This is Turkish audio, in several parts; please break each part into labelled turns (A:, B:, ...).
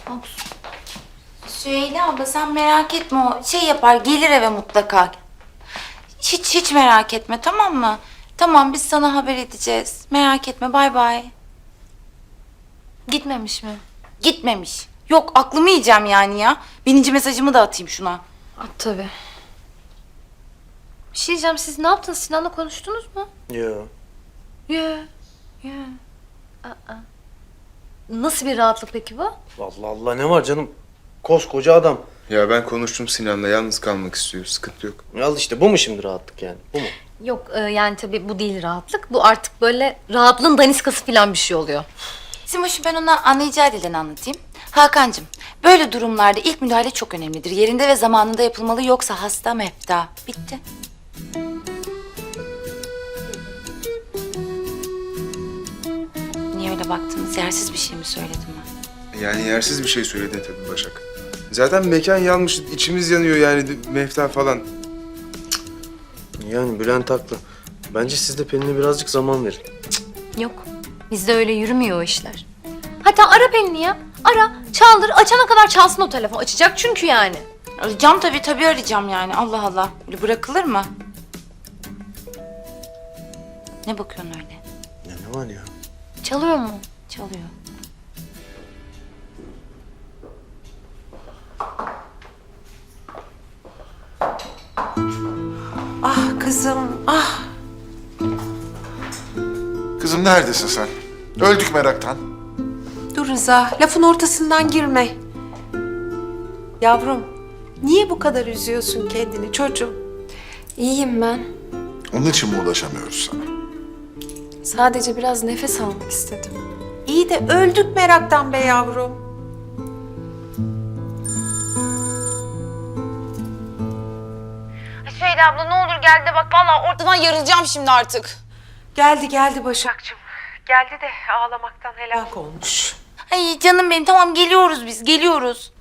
A: Süheyla abla sen merak etme, o şey yapar, gelir eve mutlaka. Hiç merak etme, tamam mı? Tamam, biz sana haber edeceğiz. Merak etme, bay bay.
B: Gitmemiş mi?
A: Gitmemiş. Yok, aklımı yiyeceğim yani ya. Bininci mesajımı da atayım şuna.
B: At tabii. Bir şey diyeceğim, siz ne yaptınız? Sinan'la konuştunuz mu?
C: Yo.
B: Ya. Nasıl bir rahatlık peki bu?
C: Allah Allah, ne var canım? Koskoca adam.
D: Ya ben konuştum Sinan'la, yalnız kalmak istiyor. Sıkıntı yok.
C: Al işte, bu mu şimdi rahatlık yani? Bu mu?
B: Yok yani tabii bu değil rahatlık. Bu artık böyle rahatlığın daniskası falan bir şey oluyor.
A: Simoş'u ben ona anlayacağı dilden anlatayım. Hakan'cığım, böyle durumlarda ilk müdahale çok önemlidir. Yerinde ve zamanında yapılmalı, yoksa hasta mefta. Bitti. Niye öyle baktınız? Yersiz bir şey mi söyledim ben?
D: Yani yersiz bir şey söyledin tabii Başak. Zaten mekan yanmış, içimiz yanıyor yani mefta falan.
C: Yani Bülent haklı. Bence siz de Pelin'e birazcık zaman verin.
B: Yok. Bizde öyle yürümüyor o işler. Hatta ara Pelin'i ya. Ara, çaldır, açana kadar çalsın o telefon. Açacak çünkü yani.
A: Arayacağım tabii arayacağım yani. Allah Allah. Öyle bırakılır mı? Ne bakıyorsun öyle?
C: Ya ne var ya?
B: Çalıyor mu?
A: Çalıyor.
E: Ah kızım, ah.
F: Kızım neredesin sen? Öldük meraktan.
E: Dur Rıza, lafın ortasından girme. Yavrum, niye bu kadar üzüyorsun kendini çocuğum?
G: İyiyim ben.
F: Onun için mi ulaşamıyoruz sana?
G: Sadece biraz nefes almak istedim.
E: İyi de öldük meraktan be yavrum.
A: Süheyla abla ne olur gel de bak, vallahi ortadan yarılacağım şimdi artık.
E: Geldi Başakçığım. Geldi de ağlamaktan helak olmuş.
A: Ay canım benim, tamam geliyoruz biz, geliyoruz.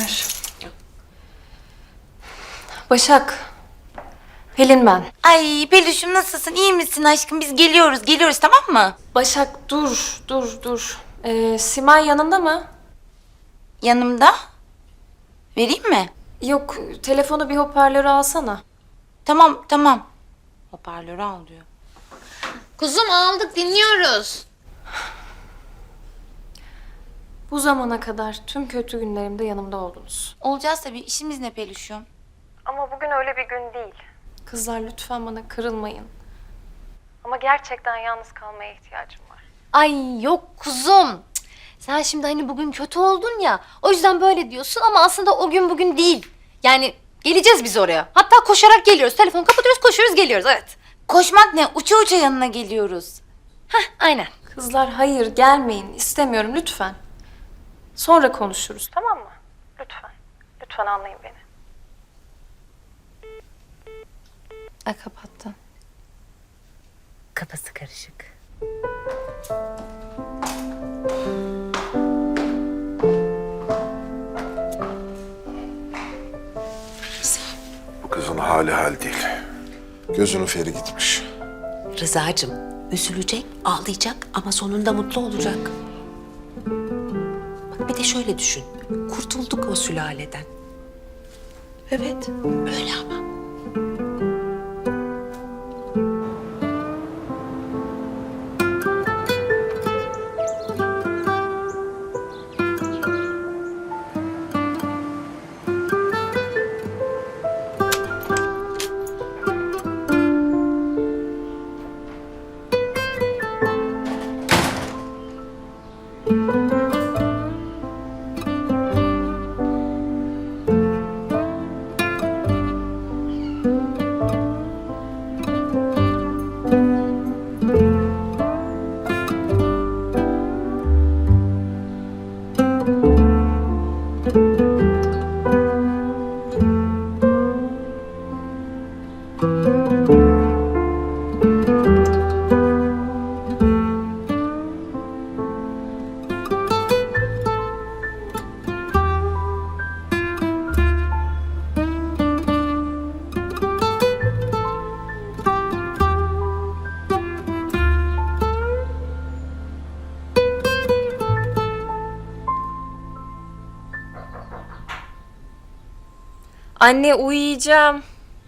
G: Başak. Pelin ben.
A: Ay Peluş'um nasılsın, iyi misin aşkım? Biz geliyoruz tamam mı?
G: Başak dur. Simay yanında mı?
A: Yanımda. Vereyim mi?
G: Yok, telefonu bir hoparlöre alsana.
A: Tamam. Hoparlörü al diyor.
B: Kuzum aldık, dinliyoruz.
G: Bu zamana kadar tüm kötü günlerimde yanımda oldunuz.
A: Olacağız tabii, işimiz ne Peluş'um?
G: Ama bugün öyle bir gün değil. Kızlar lütfen bana kırılmayın. Ama gerçekten yalnız kalmaya ihtiyacım var.
B: Ay yok kuzum. Cık. Sen şimdi hani bugün kötü oldun ya. O yüzden böyle diyorsun ama aslında o gün bugün değil. Yani geleceğiz biz oraya. Hatta koşarak geliyoruz. Telefonu kapatıyoruz, koşuyoruz, geliyoruz. Evet.
A: Koşmak ne? Uça yanına geliyoruz.
B: Aynen.
G: Kızlar hayır gelmeyin. İstemiyorum lütfen. Sonra konuşuruz tamam mı? Lütfen. Lütfen anlayın beni.
B: Ay kapattı.
A: Kafası karışık.
F: Bu kızın hali hal değil. Gözünün feri gitmiş.
H: Rıza'cığım üzülecek, ağlayacak ama sonunda mutlu olacak. Bak bir de şöyle düşün. Kurtulduk o sülaleden. Evet, öyle ama.
G: Anne uyuyacağım.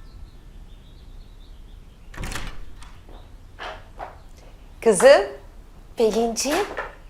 H: Kızım. Pelinciğim.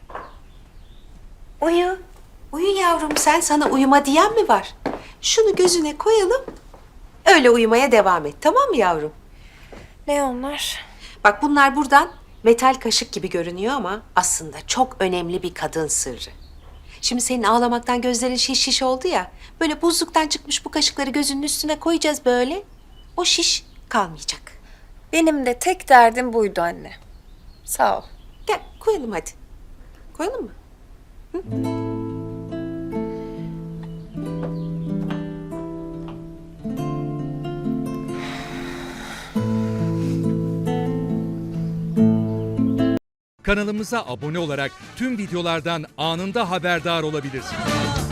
H: Uyu. Uyu yavrum sen, sana uyuma diyen mi var? Şunu gözüne koyalım. Öyle uyumaya devam et, tamam mı yavrum?
G: Ne onlar?
H: Bak bunlar buradan metal kaşık gibi görünüyor ama aslında çok önemli bir kadın sırrı. Şimdi senin ağlamaktan gözlerin şiş şiş oldu ya. Böyle buzluktan çıkmış bu kaşıkları gözünün üstüne koyacağız böyle. O şiş kalmayacak.
G: Benim de tek derdim buydu anne. Sağ ol.
H: Gel koyalım hadi. Koyalım mı?
I: Kanalımıza abone olarak tüm videolardan anında haberdar olabilirsiniz.